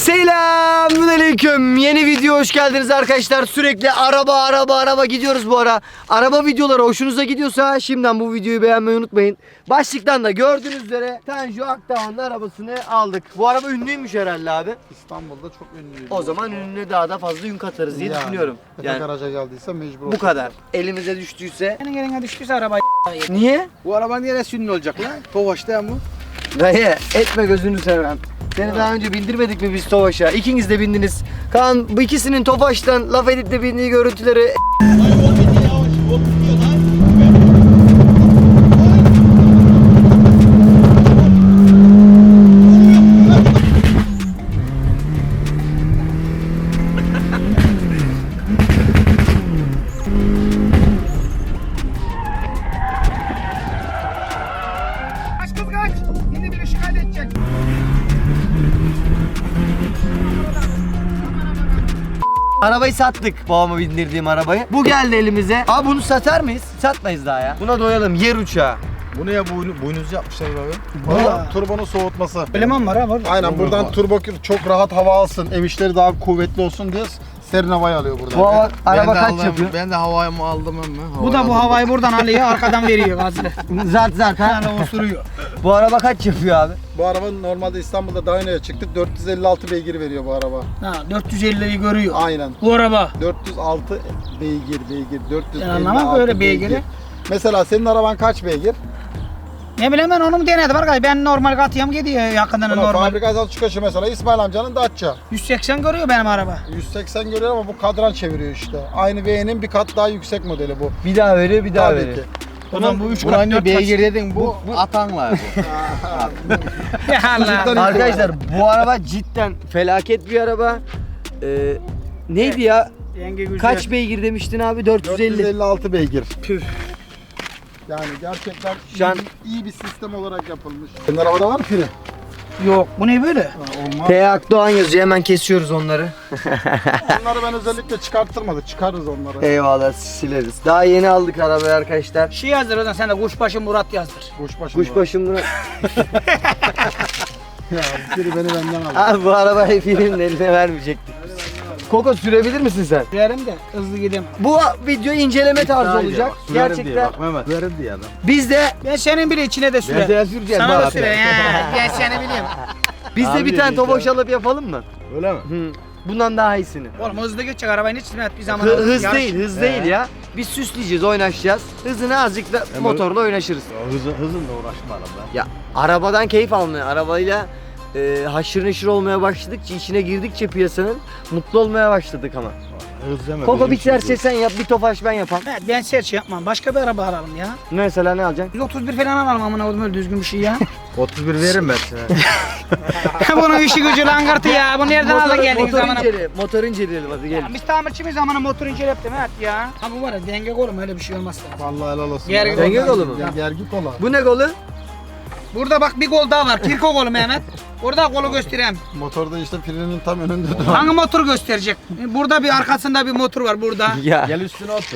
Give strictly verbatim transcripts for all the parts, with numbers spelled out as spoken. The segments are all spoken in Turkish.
Selamünaleyküm. Yeni video hoş geldiniz arkadaşlar. Sürekli araba araba araba gidiyoruz bu ara. Araba videoları hoşunuza gidiyorsa şimdiden bu videoyu beğenmeyi unutmayın. Başlıktan da gördüğünüz üzere Tanju Akdağ'ın arabasını aldık. Bu araba ünlüymüş herhalde abi. İstanbul'da çok ünlüyüm. O zaman ünlüne daha da fazla yün katarız diye yani, düşünüyorum. Yani garaja geldiyse mecbur. Bu kadar. Elimize düştüyse. Senin eline düştüyse araba. Niye? Bu araba neresi ünlü olacak lan? Tofaş değil mi? Dayı etme gözünü seveyim. Seni daha önce bindirmedik mi biz Tofaş'a? İkiniz de bindiniz. Kaan bu ikisinin Tofaş'tan laf edip de bindiği görüntüleri... Kaç kız kaç. Yine biri şikayet edecek. Arabayı sattık, babama bindirdiğim arabayı. Bu geldi elimize. Abi bunu satar mıyız? Satmayız daha ya. Buna doyalım, yer uçağı. Bu ne ya, boynu, boynuz yapmışlar abi. Valla turbonun soğutması. Eleman var ha var. Aynen, buradan turbo çok rahat hava alsın, emişleri daha kuvvetli olsun diye serin havayı alıyor buradan. Bu hava, araba de kaç aldım, yapıyor? Ben de havayımı aldım ama. Bu da bu havayı buradan alıyor, arkadan veriyor gazını. Zart zart ha. Yani osuruyor. Bu araba kaç yapıyor abi? Bu araba normalde İstanbul'da Dyno'ya çıktı. dört yüz elli altı beygir veriyor bu araba. Ha, dört yüz elliyi görüyor. Aynen. Bu araba. dört yüz altı beygir beygir. dört yüz elli altı Ben anlamam böyle beygiri. Mesela senin araban kaç beygir? Ne bileyim ben onu mu denedim arkadaş. Ben normal katıyorum gidiyor yakından Buna normal. fabrikadan çıkışı mesela İsmail amcanın Dacia. yüz seksen görüyor benim araba. yüz seksen görüyor ama bu kadran çeviriyor işte. Aynı V'nin bir kat daha yüksek modeli bu. Bir daha veriyor, bir daha Tabii veriyor. ki. O zaman bu üç Buna kat hani dört beygir kat. dedin, bu, bu atanlar bu. Ya Allah. Arkadaşlar bu araba cidden felaket bir araba. Ee, neydi ya? Yenge güzel. Kaç beygir demiştin abi? dört yüz elli. dört yüz elli altı beygir. Püf. Yani gerçekten Şu an- iyi, iyi bir sistem olarak yapılmış. Senin arabada var mı fili? Yok bu ne böyle? Ha, olmaz. T. Akdoğan yazıyor, hemen kesiyoruz onları. Onları ben özellikle çıkarttırmadık. Çıkarırız onları. Eyvallah, sileriz. Daha yeni aldık arabayı arkadaşlar. Şey yazdır o zaman sen de kuşbaşı Murat yazdır. Kuşbaşı. Kuşbaşı Murat. Ya fili beni benden aldı. Abi bu arabayı filmin eline vermeyecektik. Koko sürebilir misin sen? Verim de hızlı gideyim. Bu video inceleme tarzı olacak. Gerçekten. Mehmet. Verin diye adam. Biz de Ben senin bile içine de sürer. Ben süreceğim. Sana da bak. sürer. he. Ben seni bileyim. biz de Abi bir tane dedi tofaş ya. alıp yapalım mı? Öyle mi? Hı. Bundan daha iyisini. Oğlum hızlı geçecek arabayın içine bir zaman. Hı- hız yarış- değil, hız değil ya. Biz süsleyeceğiz, oynaşacağız. Hızını azıcık da motorla oynaşırız. Ya hızın, hızınla uğraşma arada. Ya arabadan keyif almaya, arabayla e, haşır neşir olmaya başladıkça, içine girdikçe piyasanın mutlu olmaya başladık ama. Hız deme. Koko bizim biterse şey sen yap, bir tofaş ben yapam. Evet, ben serçe yapmam. Başka bir araba alalım ya. Mesela ne alacaksın? yüz otuz bir falan alalım amına koydum öyle düzgün bir şey ya. otuz bir veririm ben sana. Bunun işi gücü langırtı ya. Bu nereden aldı geldiniz motor, zamana? incele, motor inceleyelim hadi gel. Biz tamirçi miyiz amına motor inceleptim evet ya. Ha bu var ya denge oğlum öyle bir şey olmaz. Vallahi helal olsun. Gergi Denge kolu mu? Ger- Gergi kola. Bu ne kolu? Burada bak bir kol daha var. Kirko kolu Mehmet. Orada kolu göstereyim. Motorda işte filinin tam önünde duran. Hangi motor gösterecek? Burada bir arkasında bir motor var burada. Ya Gel üstüne otur.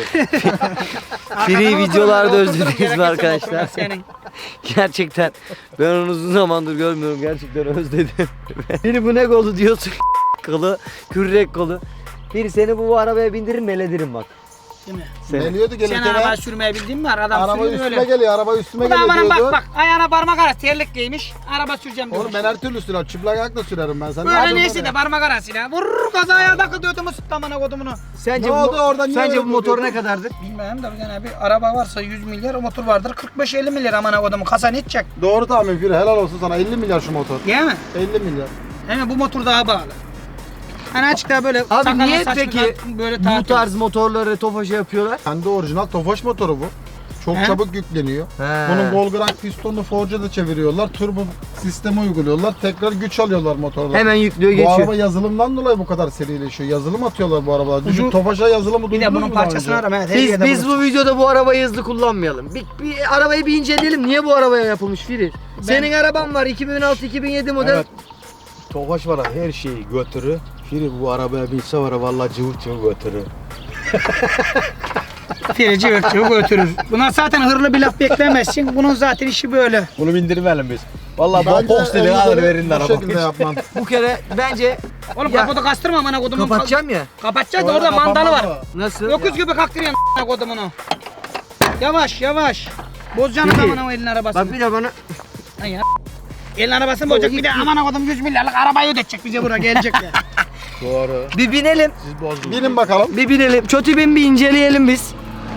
free Arkada videolarda motor var, özlediniz mi gerekirse arkadaşlar? motor var senin. Gerçekten ben onu uzun zamandır görmüyorum, gerçekten özledim. Biri bu ne kolu diyorsun kolu, kürek kolu. Biri seni bu, bu arabaya bindirir meledirim bak. Değil mi? Seni. Geliyordu Sen gelirken. araba sürmeyi bildiğin mi var? Adam Araba sürüyor üstüme öyle. geliyor, araba üstüme Bu da geliyor amanın diyordu. bak bak ayağına parmak arası terlik giymiş. Araba süreceğim diyor. Oğlum ben her türlü sürer, çıplak ayakla sürerim ben. Sen ne Böyle yapıyorsun neyse oraya? de parmak arasıyla. Vurur kaza ayağı takıldı ödümü sıktı amına kodumunu. Sence Ne bu, oldu oradan, niye sence öyle bu motor durdun? ne kadardır? Bilmem de yani bir araba varsa yüz milyar o motor vardır. kırk beş elli milyar amına kodumu. Kasa ne edecek? Doğru tahmin Firi, helal olsun sana. elli milyar şu motor. Değil mi? elli milyar. Hemen bu motor daha bağlı. Hani açıkta böyle Abi sakalın niye saçını peki böyle bu tartıyor. tarz motorları tofaşa yapıyorlar? Kendi orijinal Tofaş motoru bu. Çok He? çabuk yükleniyor. He. Bunun Volgrank pistonunu Forge'da çeviriyorlar. Turbo sistemi uyguluyorlar. Tekrar güç alıyorlar motorla. Hemen yüklüyor Bu geçiyor. araba yazılımdan dolayı bu kadar serileşiyor. Yazılım atıyorlar bu arabalar. Düşün Uzun- Tofaş'a yazılımı Bir de duydunuz bunun mu daha parçasını önce? aram. Evet, her Biz, yerde biz bulursun. bu videoda bu arabayı hızlı kullanmayalım. Bir, bir arabayı bir inceleyelim. Niye bu arabaya yapılmış Firi? Senin araban var iki bin altı iki bin yedi model. Evet. Tofaş var her şeyi götürü. Firi bu arabaya binse var ya vallahi cıvık cıvık götürü. Ferici örtüyor götürür. Buna zaten hırlı bir laf beklemezsin. Bunun zaten işi böyle. Bunu bindirmeyelim biz. Vallahi Bence box dedi en alır güzeli verin bu arabayı. şekilde yapman. Bu kere bence Oğlum Ya, kaputu kastırma amına kodumun. Kapatacağım ya. Kapatacağız da Orada orada mandalı var. kapanmadı. Nasıl? Öküz gibi kaktırıyorsun amına kodumunu. Yavaş yavaş. Bozacaksın Peki. amına o elin arabasını. Bak bir de bana Lan ya. Elin arabasını bozacak bir de amına kodum yüz milyarlık arabayı ödetecek bize buraya gelecek ya. Doğru. bir binelim. Siz bozdunuz. Binin bakalım. Bir binelim. Çotu bin bir inceleyelim biz.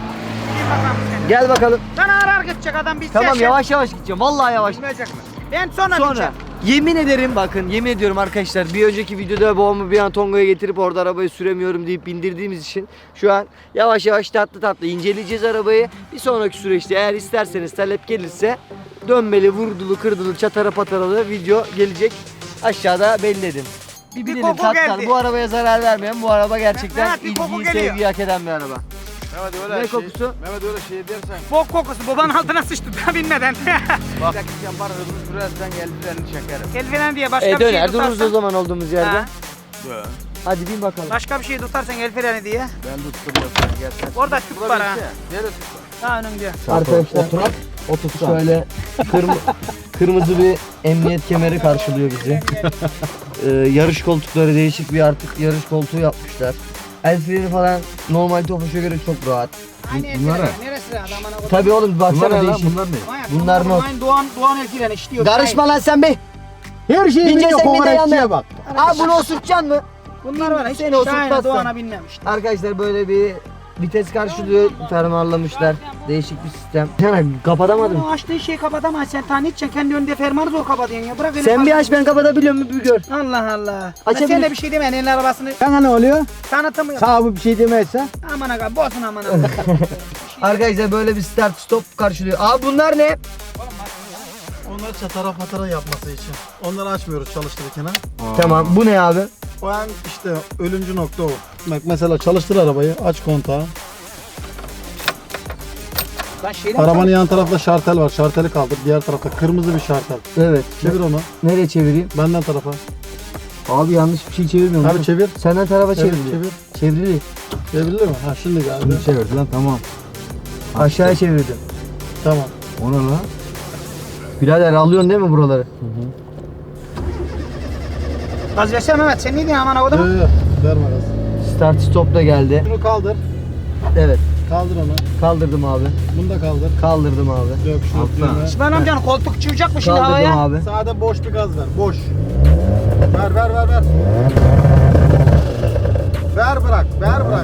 Gel bakalım. Sana arar gidecek adam biz Tamam yavaş yavaş gideceğim. Vallahi yavaş. Bilmeyecek mi? Ben sonra, Sonra bineceğim. yemin ederim bakın yemin ediyorum arkadaşlar bir önceki videoda babamı bir an Tonga'ya getirip orada arabayı süremiyorum deyip bindirdiğimiz için şu an yavaş yavaş tatlı tatlı inceleyeceğiz arabayı. Bir sonraki süreçte eğer isterseniz talep gelirse dönmeli, vurdulu, kırdılı, çatara pataralı video gelecek. Aşağıda belirledim. Bir Bir binelim koku tatlılar. geldi. Bu arabaya zarar vermeyen, bu araba gerçekten Mehmet, bir koku ilgiyi, geliyor. sevgiyi hak eden bir araba. Mehmet öyle Ne şey, kokusu? Mehmet öyle şey dersen. Bok kokusu babanın altına sıçtı daha binmeden. Bak yapar hızlı sürersen eldilerini çekerim. El falan diye başka E bir şey döner dururuz o tutarsan. zaman olduğumuz yerde. Ha, Dön. Hadi bin bakalım. başka bir şey tutarsan el freni diye. Ben tutturuyorum gerçekten. Orada tüp var ha. Neresi? Daha önünde. Arkadaşlar Oturak. Otursan. şöyle kırmı, kırmızı bir emniyet kemeri karşılıyor bizi. Ee, yarış koltukları değişik bir artık yarış koltuğu yapmışlar. El freni falan normal Tofaş'a göre çok rahat. Aynı el bunlar freni. Neresi lan adamına kodum? Tabii oğlum Bunlar baksana ne lan? değişik. Bunlar ne? Manyak, bunlar not. Aynı Doğan, Doğan el freni işliyor. Karışma lan sen be. Her şey Bince biliyor sen bir de kokoreççiye yanına. bak. Abi bunu osurtacaksın mı? Bunlar var hiç Seni Şahin'e osurtmazsan. Doğan'a binmemiş. Arkadaşlar böyle bir vites karşılıyor, fermuarlamışlar. Değişik bir sistem. Yani kapatamadım. Bunu açtığın şeyi kapatamazsın. Sen tane içeceksin. Kendi önünde fermuarı zor kapatıyorsun ya. Bırak öyle Sen bir kal- aç ben kapatabiliyor muyum bir gör. Allah Allah. Açabilir- Sen de bir şey deme. Elin arabasını Sana ne oluyor? tanıtımı Sağ bir şey demezse. Aman aga bozun aman aga. Arkadaşlar böyle bir start stop karşılıyor. Abi bunlar ne? Onları çatara patara yapması için. Onları açmıyoruz çalıştırırken ha. Tamam bu ne abi? O an işte ölümcü nokta o. Bak mesela çalıştır arabayı, aç kontağı. Lan şeyden Arabanın yan tarafta şartel var. Şarteli kaldır. Diğer tarafta kırmızı bir şartel. Evet. Çevir onu. Nereye çevireyim? Benden tarafa. Abi yanlış bir şey çevirmiyorum. Abi çevir. Senden tarafa Çevir, çevir. çevir. Çevirili. Çevrilir mi? Ha şimdi geldi. Çevirdi lan tamam. Aşağıya çevirdim. Tamam. O ne lan? Birader alıyorsun değil mi buraları? Gaz versene Mehmet. Sen ne diyorsun aman aga? Yok yok. Verme gaz. Start stop da geldi. Şunu kaldır. Evet. Kaldır onu. Kaldırdım abi. Bunu da kaldır. Kaldırdım abi. Yok şunu Altına. üfleme. İsmail amcanın koltuk çıkacak mı şimdi Kaldırdım havaya? abi. Sade boş bir gaz ver. Boş. Ver ver ver ver. Ver bırak. Ver bırak.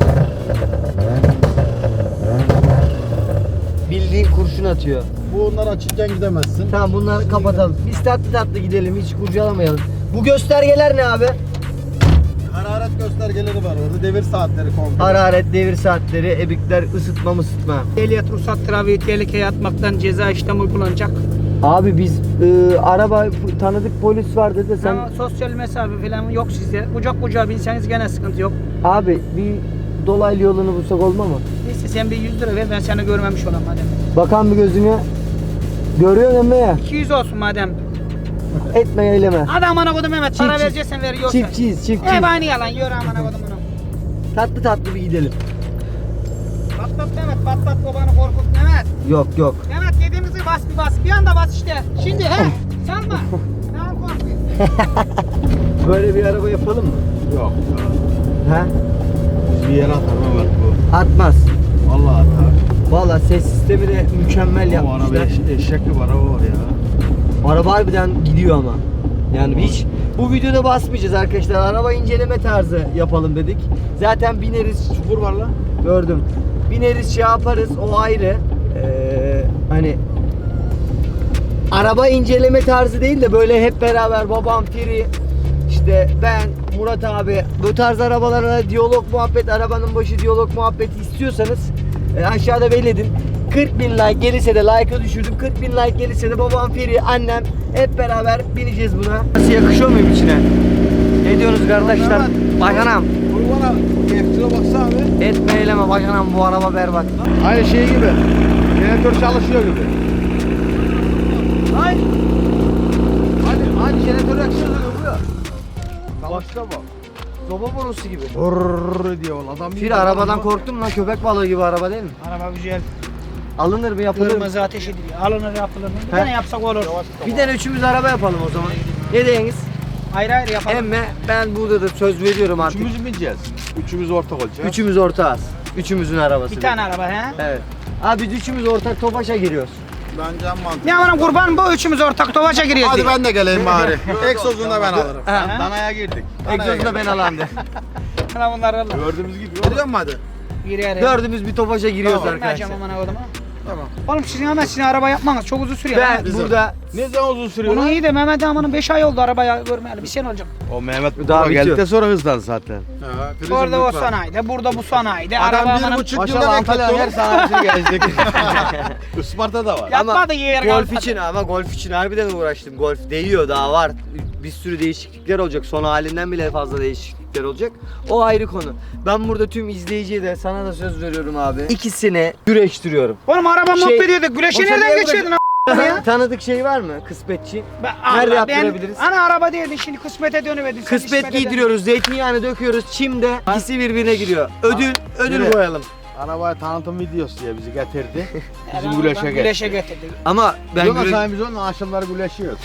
Bildiğin kurşun atıyor. Bunları açıkken gidemezsin. Tamam bunları kapatalım. Biz tatlı tatlı gidelim hiç kurcalamayalım. Bu göstergeler ne abi? Hararet göstergeleri var orada. Devir saatleri komple. Hararet, devir saatleri, ebikler, ısıtma mısıtma. Ehliyet ruhsat trafiği tehlikeye atmaktan ceza işlemi uygulanacak. Abi biz e, araba tanıdık polis var dedi sen. Ama sosyal mesafe falan yok sizde. Kucak kucağa binseniz gene sıkıntı yok. Abi bir dolaylı yolunu bulsak olma mı? Neyse sen bir yüz lira ver ben seni görmemiş olayım madem. Bakan bir gözüne. Görüyorsun emme ya. iki yüz olsun madem. Etme eyleme. Hadi amına kodum Mehmet para Çift- vereceksen ver yoksa. Çiftçiyiz çiftçiyiz. Hep aynı yalan yürü amına kodum bunu. Tatlı tatlı bir gidelim. Patlat Mehmet patlat babanı korkut Mehmet. Yok yok. Mehmet dediğimizi bas bir bas bir anda bas işte. Şimdi he salma. Ne al korkuyor. Böyle bir araba yapalım mı? Yok. He? Biz bir yere atar Mehmet bu. Atmaz. Vallahi atar. Valla ses sistemi de mükemmel O araba yapmışlar. eş, eşek gibi araba var ya. Araba harbiden gidiyor ama. Yani hiç bu videoda basmayacağız arkadaşlar. Araba inceleme tarzı yapalım dedik. Zaten bineriz. Çukur var lan. Gördüm. Bineriz şey yaparız o ayrı. Ee, hani araba inceleme tarzı değil de böyle hep beraber babam, Firi, işte ben, Murat abi bu tarz arabalara diyalog muhabbet, arabanın başı diyalog muhabbeti istiyorsanız e, aşağıda belirledin. kırk bin like gelirse de like'ı düşürdüm. kırk bin like gelirse de babam, Firi, annem hep beraber bineceğiz buna. Nasıl yakışıyor muyum içine? Ne diyorsunuz kardeşler? Bacanam. Kurbana F-Tire baksana abi. Etme eyleme bacanam bu araba berbat. Aynı şey gibi. Jeneratör çalışıyor gibi. Hayır. Hadi hadi jeneratör yakışıyor oluyor. Başla bak. Soba borusu gibi. Brrrr diyor adam. Fir arabadan korktum lan, köpek balığı gibi araba değil mi? Araba güzel. Alınır mı yapılır mı? Kırmızı ateş ediliyor. Alınır yapılır mı? Bir He. tane yapsak olur. Bir tane üçümüz araba yapalım o zaman. Ne diyeniz? Ayrı ayrı yapalım. Emme ben burada da söz veriyorum artık. Üçümüz mü bineceğiz? Üçümüz ortak olacağız. Üçümüz ortağız. Üçümüzün arabası. Bir tane araba he. Evet. Abi biz üçümüz ortak Tofaş'a giriyoruz. Bence en mantıklı. Ne amanın kurban bu üçümüz ortak Tofaş'a giriyoruz. Hadi diye. ben de geleyim bari. Egzozunu da ben alırım. Ha. Danaya girdik. Egzozu da ben alandı. Lan bunlar Allah. Gördüğümüz gibi. Geliyor mu hadi? Giriyor. Dördümüz bir Tofaş'a giriyoruz Tamam, arkadaşlar. Vermeyeceğim amına koduma. Tamam. Oğlum sizin hemen sizin araba yapmanız çok uzun sürüyor. Ben Bizim. burada Ne zaman uzun sürüyor Bunun lan? iyi de Mehmet Aman'ın beş ay oldu arabaya görmeyeli. Bir sene olacak. O Mehmet Daha Daha bitiyor. geldikten sonra hızlandı zaten. Ha, prizim Orada o lütfen. sanayide, burada bu sanayide. araba Adam bir Aman'ın... buçuk yılda Maşallah Antalya'nın her bekletti sanatçısını gelecek. Isparta da var. Yapmadı yer golf kalmadı. için ama golf için harbiden uğraştım. Golf değiyor daha var. Bir sürü değişiklikler olacak. Son halinden bile fazla değişiklikler olacak. O ayrı konu. Ben burada tüm izleyiciye de sana da söz veriyorum abi. İkisini güreştiriyorum. Oğlum araba Şey- muhabbet ediyorduk. Güleşi O sen nereden niye geçiyordun a**ına ya? Tanıdık şey var mı? Kısmetçi. Ben, Nerede Allah, ben- yaptırabiliriz? Ana araba değildin şimdi kısmete dönüverdin. sen Kısmet İsmet'e giydiriyoruz, zeytinyağını döküyoruz, çimde ikisi birbirine giriyor. Ödül, ödül Yürü. koyalım. Arabaya tanıtım videosu diye bizi getirdi. dön. Bizim Adam güleşe oradan geldi. Güleşe getirdik. Ama ben Yok güreş... efendim biz onunla akşamları güleşiyoruz.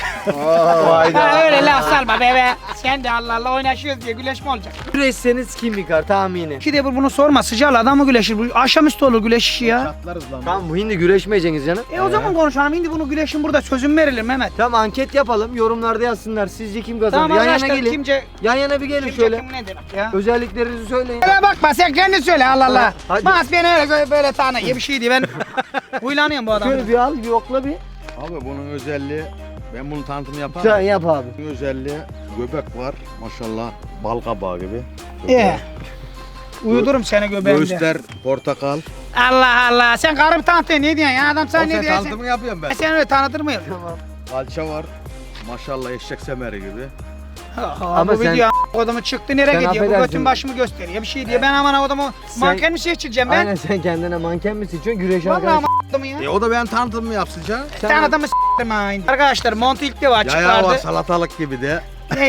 Ha, öyle laf salma bebe. Sen de Allah Allah oynaşıyoruz diye güleş mi olacak? güreşseniz kim yıkar tahmini? İki de bir bunu sorma. Sıcakla adam mı güleşir? Bu akşamüstü olur güleş işi ya. Çatlarız lan. Tamam bu hindi güreşmeyeceksiniz canım. E o zaman konuşalım. Şimdi bunu güleşin burada sözüm verilir Mehmet. Tamam anket yapalım, yorumlarda yazsınlar. Sizce kim kazanır? Tamam yan yana arkadaşlar gelin. kimce, Yan yana bir gelin kimce şöyle. kim nedir ya? Özelliklerinizi söyleyin. Öyle bakma sen kendi söyle Allah Allah. Hadi. Mas beni öyle böyle, böyle tanı gibi bir şeydi ben. Huylanıyorum bu adamı. Şöyle bir al, bir okla bir. Abi bunun özelliği, ben bunun tanıtımı yaparım. Sen yap abi. Bunun özelliği göbek var maşallah bal kabağı gibi. Ee, uyudurum seni göbeğimde. Göğüsler portakal. Allah Allah sen karımı tanıtıyorsun ne diyorsun ya adam O sen ne sen diyorsun? tanıtımını yapıyorum ben. Sen, sen öyle tanıtır mıyım? Tamam. Kalça var. Maşallah eşek semeri gibi. Ama Ama bu sen- video a**kodamı çıktı nereye Sen gidiyor? Bu affedersin. götün başımı gösteriyor bir şey diyor. Ben aman adamı Sen- manken mi şey çıkacağım ben? Aynen sen kendine manken mi seçiyorsun? Güreş Vallahi arkadaş. aman adamı ya. E o da ben tanıtımımı yapsın canım. Sen- Sen adamı s**tim ha indi. Arkadaşlar montu ilk defa Yayağı var açıklardı. salatalık gibi de.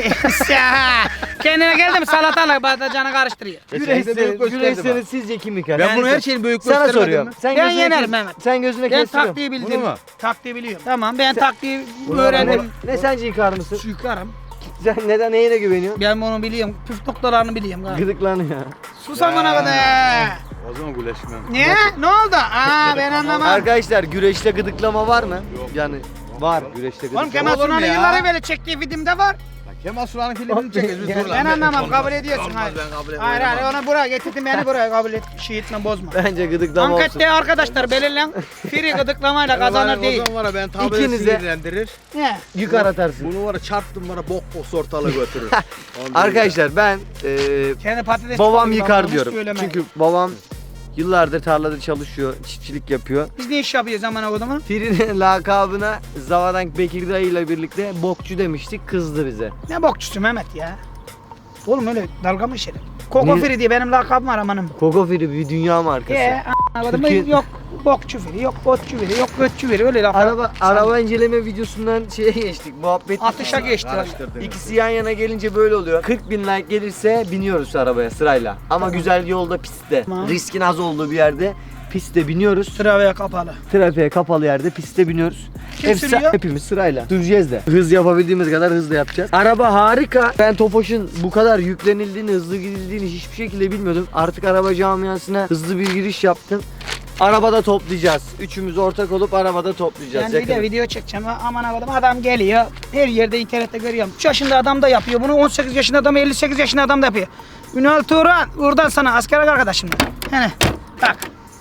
Ya, kendine geldi mi salatalık batacanı karıştırıyor. Geçen de büyük Güreşseniz, gösterdi güreşseniz sizce kim yıkar? Ben bunu her şeyin büyük Sana göstermedim soruyorum. mi? Sen Ben gözüne yenerim kes- Mehmet. Sen gözüne Ben kestiriyorum. taktiği Bunu bildim. mu? Taktiği biliyorum. Tamam ben taktiği Ne, öğrendim. ne sence yıkar mısın? Yıkarım. Sen neden neyine güveniyorsun? Ben bunu biliyorum. Püf noktalarını biliyorum. galiba. Gıdıklanıyor. Sus amına kadar. O zaman güleşmem. Ne? Ne oldu? Aa ben anlamam. Arkadaşlar güreşte gıdıklama var mı? Yok. Yani var güreşte Oğlum gıdıklama. Kemal Olur mu Sunal'ın ya? yıllar evvel çektiği filmde var. Kemal Sunal'ın filmini çekeriz. biz Ben dur lan. Ben anlamam Olmaz. kabul ediyorsun. Olmaz, Hayır. ben kabul Hayır etmiyorum. hayır onu buraya getirdin beni buraya kabul et. Şey etme bozma. Bence gıdıklama olsun. Ankette arkadaşlar belirlen. Free gıdıklamayla Yani var ya, kazanır değil. O zaman var ya ben tabi İkiniz de- sinirlendirir. Ne? Yıkar atarsın. Bunu var ya çarptım bana bok bok ortalığı götürür. Ondan Arkadaşlar ben e, Kendi patates babam gibi yıkar ama diyorum. söyleme. Çünkü babam yıllardır tarlada çalışıyor, çiftçilik yapıyor. Biz ne iş yapıyoruz zaman o zaman? Firinin lakabına Zavadank Bekir Dayı ile birlikte bokçu demiştik, kızdı bize. Ne bokçusu Mehmet ya? Oğlum öyle dalga mı işerim? Koko Niye? Firi diye benim lakabım var amanım. Koko Firi bir dünya markası. Ee, anlamadım. Türkiye- Yok bokçu Firi, yok botçu Firi, yok götçü Firi öyle laf. Araba araba inceleme videosundan şeye geçtik, muhabbet. Atışa geçti. Karıştırdım. İkisi yan yana gelince böyle oluyor. kırk bin like gelirse biniyoruz arabaya sırayla. Ama güzel yolda, pistte. Tamam. Riskin az olduğu bir yerde pistte biniyoruz. Trafiğe kapalı. Trafiğe kapalı yerde pistte biniyoruz. Kim Hepsi- sürüyor? Hepimiz sırayla. Süreceğiz de. Hız yapabildiğimiz kadar hızlı yapacağız. Araba harika. Ben Tofaş'ın bu kadar yüklenildiğini, hızlı gidildiğini hiçbir şekilde bilmiyordum. Artık araba camiasına hızlı bir giriş yaptım. Arabada toplayacağız. Üçümüz ortak olup arabada toplayacağız. Ben bir de yakın. video çekeceğim. Aman adam adam geliyor. Her yerde internette görüyorum. üç yaşında adam da yapıyor. Bunu on sekiz yaşında adam, elli sekiz yaşında adam da yapıyor. Ünal Turan, buradan sana asker arkadaşım. Hani bak.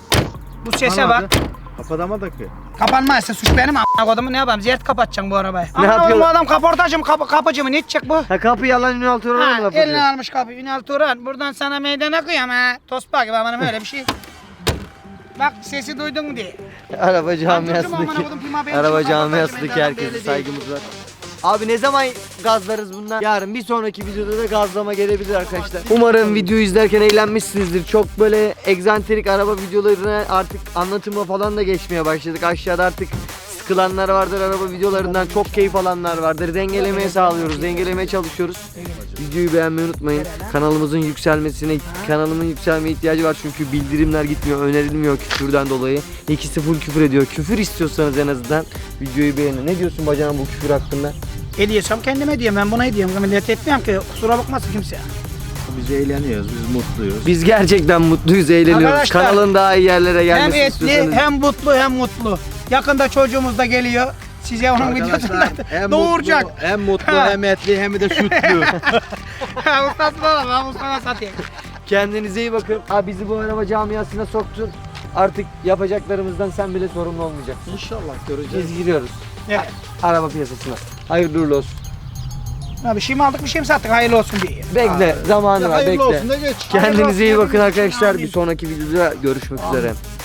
Bu sese bak. Kapatamadık ki. Kapanmazsa suç benim a**a kodumu ne yapayım? Ziyaret kapatacaksın bu arabayı. Ne yapıyorlar? Bu adam kaportacı mı kapı, kapıcı mı ne edecek bu? Ha kapı yalan Ünal Turan'a mı Ha, laf eline atıyor? almış kapı. Ünal Turan buradan sana meydan okuyam ha. Tospa gibi amanım öyle bir şey. Bak sesi duydun mu diye. Araba Anladım, camiasındaki aman okudum, firma benim araba için kaportacı, camiasındaki meydan herkese belli saygımız var. Abi ne zaman gazlarız bundan? Yarın bir sonraki videoda da gazlama gelebilir arkadaşlar. Umarım videoyu izlerken eğlenmişsinizdir. Çok böyle egzantrik araba videolarına artık anlatıma falan da geçmeye başladık. Aşağıda artık sıkılanlar vardır araba videolarından, çok keyif alanlar vardır. Dengelemeye sağlıyoruz, dengelemeye çalışıyoruz. Videoyu beğenmeyi unutmayın. Kanalımızın yükselmesine, kanalımın yükselmeye ihtiyacı var çünkü bildirimler gitmiyor, önerilmiyor küfürden dolayı. İkisi full küfür ediyor. Küfür istiyorsanız en azından videoyu beğenin. Ne diyorsun bacağım bu küfür hakkında? Hediyesem kendime hediyem. Ben buna hediyem. Millet etmiyorum ki. Kusura bakmasın kimse. Biz eğleniyoruz, biz mutluyuz. Biz gerçekten mutluyuz, eğleniyoruz. Arkadaşlar, Kanalın daha iyi yerlere Hem gelmesini etli istiyorsanız. hem mutlu hem mutlu. Yakında çocuğumuz da geliyor. Size onun videosunu hem doğuracak. mutlu, hem mutlu, Ha. hem etli, hem de sütlü. Ustasına bak, ben Mustafa satayım. Kendinize iyi bakın. Ha, bizi bu araba camiasına soktun. Artık yapacaklarımızdan sen bile sorumlu olmayacaksın. İnşallah göreceğiz. Biz giriyoruz Evet. araba piyasasına. Hayırlı uğurlu olsun. Ha, bir şey mi aldık bir şey mi sattık hayırlı olsun diye. Bekle, zamanı Ya var, hayırlı bekle. olsun da geç. Kendinize iyi Hayırlı olsun, bakın hepimiz için arkadaşlar. amin. Bir sonraki videoda görüşmek üzere.